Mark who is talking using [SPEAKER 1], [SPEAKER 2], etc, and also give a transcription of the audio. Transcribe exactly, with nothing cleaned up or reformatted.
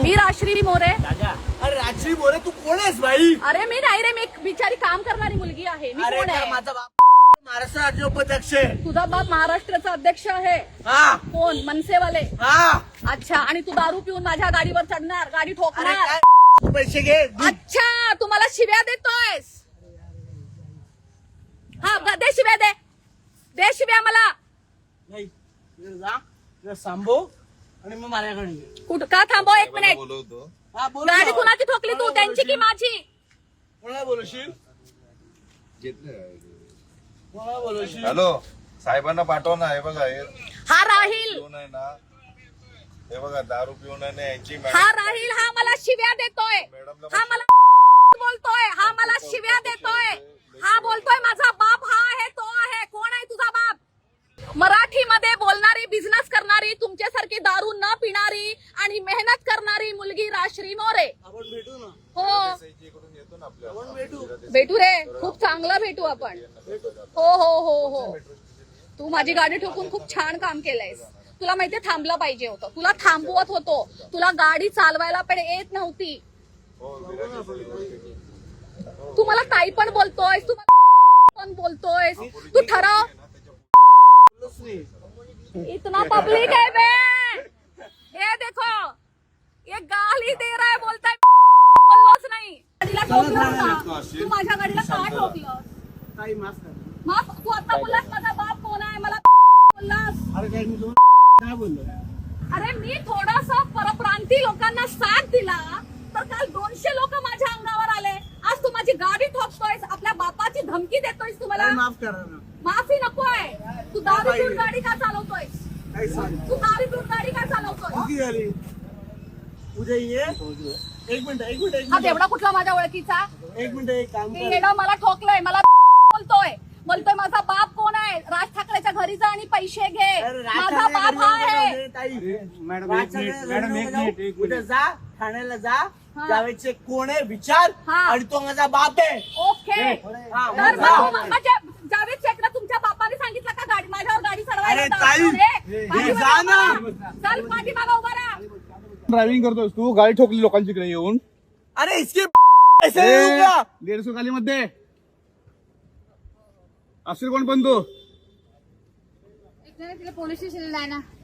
[SPEAKER 1] मी राजश्री मोरे.
[SPEAKER 2] अरे राजश्री मोरे तू कोण आहेस भाई?
[SPEAKER 1] अरे मी नाही रे, मी एक बिचारी काम करणारी मुलगी आहे. मी कोण आहे?
[SPEAKER 2] माझा बाप महाराष्ट्र राज्य उपाध्यक्ष आहे.
[SPEAKER 1] तुझा बाप महाराष्ट्राचा अध्यक्ष आहे.
[SPEAKER 2] हा
[SPEAKER 1] कोण? मनसेवाले.
[SPEAKER 2] हा.
[SPEAKER 1] अच्छा, आणि तू दारू पिऊन माझ्या गाडीवर चढणार, गाडी
[SPEAKER 2] अरे
[SPEAKER 1] ठोकणार.
[SPEAKER 2] काय तू पैसे घे.
[SPEAKER 1] अच्छा, तू मला शिव्या देतोयस. हा, दे शिव्या, दे दे शिव्या मला.
[SPEAKER 2] नाही जा जा सांभो आणि मग माझ्याकडे ये.
[SPEAKER 1] कुठं का थांबव एक मिनिट.
[SPEAKER 2] हा बोल.
[SPEAKER 1] गाडी कुणाची ठोकली तू, त्यांची की माझी?
[SPEAKER 2] कोणाला बोलशील? कोणाला बोलशील?
[SPEAKER 3] हॅलो, साहेबांना पाठव ना. हे बघा, हे
[SPEAKER 1] हा राहील,
[SPEAKER 3] पिऊन आहे ना, हे बघा दारू पिऊन आहे ना यांची.
[SPEAKER 1] हा राहील, हा मला शिव्या देतोय. हा मला बोलतोय, हा मला शिव्या देतोय. हा बोलतोय माझा बाप हा आहे, तो आहे. कोण आहे तुझा बाप? मराठीमध्ये बोलणारी, बिझनेस करणारी, तुमच्यासारखी दारू न पिणारी आणि मेहनत करणारी मुलगी राजश्री मोरे.
[SPEAKER 2] आपण भेटू ना.
[SPEAKER 1] हो
[SPEAKER 3] इकडून येतो ना आपल्या.
[SPEAKER 2] आपण भेटू.
[SPEAKER 1] भेटू रे, खूप चांगला भेटू आपण. हो हो हो हो. तू माझी गाडी ठोकून खूप छान काम केलंयस. तुला माहितीये थांबलं पाहिजे होतं. तुला थांबवत होतो. तुला गाडी चालवायला पण येत नव्हती. तू मला ताई पण बोलतोयस, तू मला पण बोलतोयस. तू ठरव. इतना पब्लिक है बे, ये देखो, ये गाली दे रहा है, बोलता है बोललोच नाही. गाडीला ठोकलं का? तू माझ्या गाडीला का ठोकलं?
[SPEAKER 2] ताई माफ कर.
[SPEAKER 1] माफ? तू आता बोललास माझा बाप कोण आहे, मला बोललास.
[SPEAKER 2] अरे काय मी तुम्हाला काय बोललो?
[SPEAKER 1] अरे मी थोडासा परप्रांती लोकांना साथ दिला तर काल दोनशे लोक माझ्या अंगावर आले. आज तू माझी गाडी ठोकतोयस, आपल्या बापाची धमकी देतोयस. तुम्हाला
[SPEAKER 2] ताई माफ करा ना.
[SPEAKER 1] माफी नकोय. तू दारू पिऊन गाडी का चालवतोयस?
[SPEAKER 2] काय सांग?
[SPEAKER 1] तू दारू पिऊन गाडी का चालवतोय?
[SPEAKER 2] किती झाली? उद्या ये. एक मिनिट एक मिनिट एक
[SPEAKER 1] हा
[SPEAKER 2] मिनिट
[SPEAKER 1] तेवढा कुठला माझ्या ओळखीचा?
[SPEAKER 2] एक मिनिट एक काम
[SPEAKER 1] हे
[SPEAKER 2] कर.
[SPEAKER 1] येणं मला ठोकलंय, मला बोलतोय बोलतोय माझा बाप कोण आहे? राज ठाकरेच्या घरी जा आणि पैसे घे.
[SPEAKER 2] अरे राज
[SPEAKER 1] माझा
[SPEAKER 2] ठाकरे
[SPEAKER 1] बाप
[SPEAKER 2] घरी
[SPEAKER 1] हा
[SPEAKER 2] नको
[SPEAKER 1] आहे.
[SPEAKER 2] जाऊ दे, ताई.
[SPEAKER 4] मॅडम,
[SPEAKER 2] राज
[SPEAKER 4] एक मिनिट,
[SPEAKER 2] ठाकरे
[SPEAKER 4] मॅडम,
[SPEAKER 2] घरी
[SPEAKER 4] एक
[SPEAKER 2] नको जाऊ.
[SPEAKER 4] मिनिट, एक
[SPEAKER 2] उद्या
[SPEAKER 4] मिनिट.
[SPEAKER 2] जा ठाण्याला जा.
[SPEAKER 1] हा.
[SPEAKER 2] जावेदचे कोण आहे विचार.
[SPEAKER 1] हा.
[SPEAKER 2] आणि तो माझा बाप आहे.
[SPEAKER 1] ओके.
[SPEAKER 2] हा,
[SPEAKER 1] तर
[SPEAKER 2] मग जा.
[SPEAKER 1] मग म्हणजे जावेद शेखला तुमच्या बापाने सांगितलं का गाडी माझ्यावर गाडी चढवायला?
[SPEAKER 2] अरे ताई,
[SPEAKER 1] ए,
[SPEAKER 2] हे
[SPEAKER 1] पाठीमागं
[SPEAKER 2] जा ना.
[SPEAKER 1] उभा राहा. चल पाठीमागं उभा राहा.
[SPEAKER 4] ड्रायव्हिंग करतोस तू, गाडी ठोकली लोकांची इकडे येऊन.
[SPEAKER 2] अरे इसके पैसे देऊ का?
[SPEAKER 4] दीडशे खाली मध्ये असेल कोण पण तू.
[SPEAKER 1] पोलीस स्टेशनला जाय ना.